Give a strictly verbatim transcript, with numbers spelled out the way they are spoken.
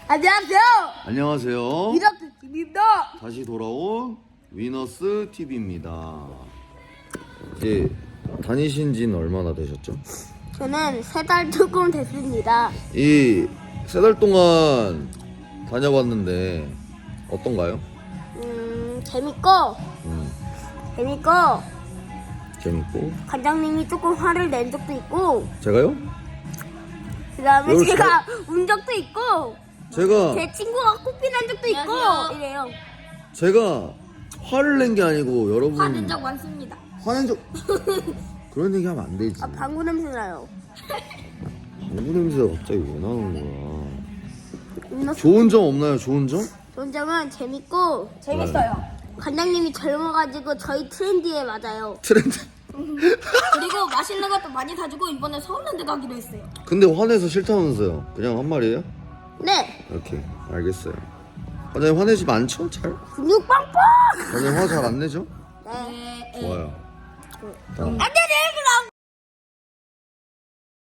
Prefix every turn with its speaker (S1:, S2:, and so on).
S1: 안녕하세요.
S2: 안녕하세요.
S1: 이렇게 집입니다.
S2: 다시 돌아온 위너스 티비입니다. 이제 다니신 지는 얼마나 되셨죠?
S1: 저는 세 달 조금 됐습니다.
S2: 이 세 달 동안 다녀봤는데 어떤가요?
S1: 음, 재밌고,
S2: 음,
S1: 재밌고,
S2: 재밌고.
S1: 관장님이 조금 화를 낸 적도 있고,
S2: 제가요?
S1: 그 다음에
S2: 여기
S1: 제가 운 적도 있고,
S2: 제가
S1: 제 친구가 코피 난 적도 있고,
S3: 안녕하세요.
S1: 이래요.
S2: 제가 화를 낸 게 아니고 여러분
S3: 화낸 적 많습니다.
S2: 화낸 적 그런 얘기 하면 안 되지.
S1: 아, 방구 냄새 나요.
S2: 방구 냄새가 갑자기 왜 나는 거야?
S1: 위너스
S2: 좋은 점 없나요? 좋은 점?
S1: 좋은 점은 재밌고,
S3: 재밌어요.
S1: 관장님이 젊어가지고 저희 트렌디에 맞아요.
S2: 트렌드.
S3: 그리고 맛있는 것도 많이 사주고 이번에 서울랜드 가기로 했어요.
S2: 근데 화내서 싫다면서요? 그냥 한 말이에요?
S1: 네,
S2: 오케이, 알겠어요. 과장님 화내지 많죠? 잘?
S1: 근육 빵빵!
S2: 과장님 화 잘 안 내죠?
S1: 네.
S3: 네.
S2: 좋아요.
S1: 안돼, 내 그럼!